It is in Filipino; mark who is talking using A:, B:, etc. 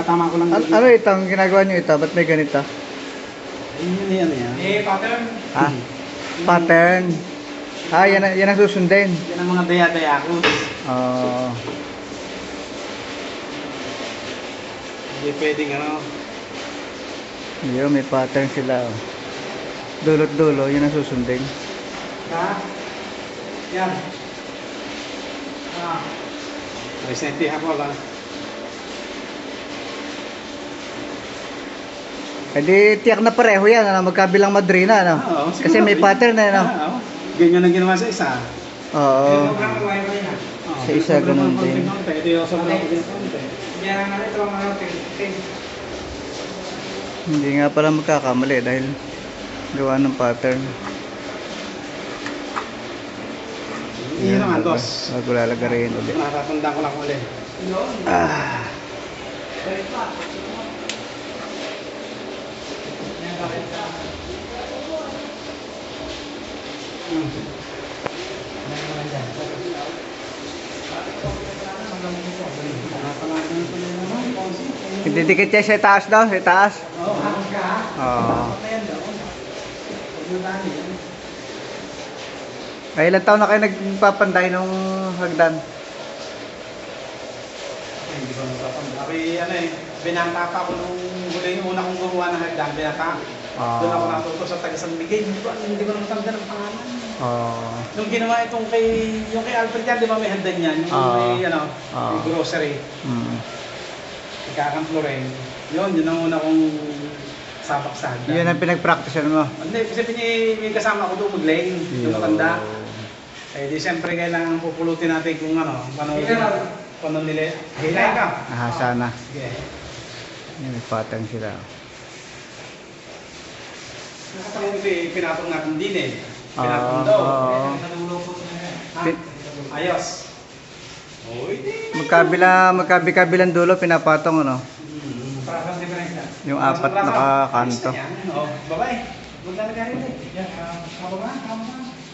A: tatama ko lang.
B: Ano ito? Ang ginagawa nyo ito? Ba't may ganito?
A: Yan.
C: Pattern.
B: Ah, pattern. Ah, yan ang susundin.
A: Yan ang mga daya-daya ko.
B: Oo.
A: Hindi pwedeng ano.
B: Yun, may pattern sila. Oh. Dulot-dulo, yun ang susundin.
A: Yan. Resentihan ko lang.
B: Eh di, tiyak na pareho yan, ano? Magkabilang madrina, ano?
A: Oo,
B: Kasi may pattern na, ano?
A: Oo. Ganyan ang ginawa sa isa.
B: Oo. Sa isa, ganun din.
A: Ito yung sobrang konti.
B: Hindi nga pala magkakamali dahil gawa ng pattern.
A: Hindi naman, boss.
B: Bago lalagarin ulit.
A: Natatanda ko lang ulit.
B: Ah. Didikit siya sa taas daw, sa taas. Oo. Ay, ilang taon na kayo nagpapanday nung hagdan?
A: Hindi ko natatanda. Ano binata pa ako nung huli yung una kong gumawa ng hagdan, binata. Doon ako natuto sa taga San Miguel. Hindi ko natatanda ng pangalan. Nung ginawa itong yung kay Alfred yan, di ba may hagdan yan? Yung may, may grocery. Ikakamp Loren. Yun ang una kong sabak sa hagdan.
B: Yun ang pinag-practicean mo?
A: Hindi, kasi may kasama ko doon mag-lane, yung matanda. Eh di siyempre kailangan pupulutin natin kung paano nila. Hilay ka.
B: Ah, sana.
A: Sige.
B: May pattern sila.
A: Nakatawag ito pinatong natin din eh. Pinatong daw. Ayos.
B: Magkabilang dulo, pinapatong, ano? Yung apat na kanto.
A: Babae. Maglalagay rin eh. Yan, kababa.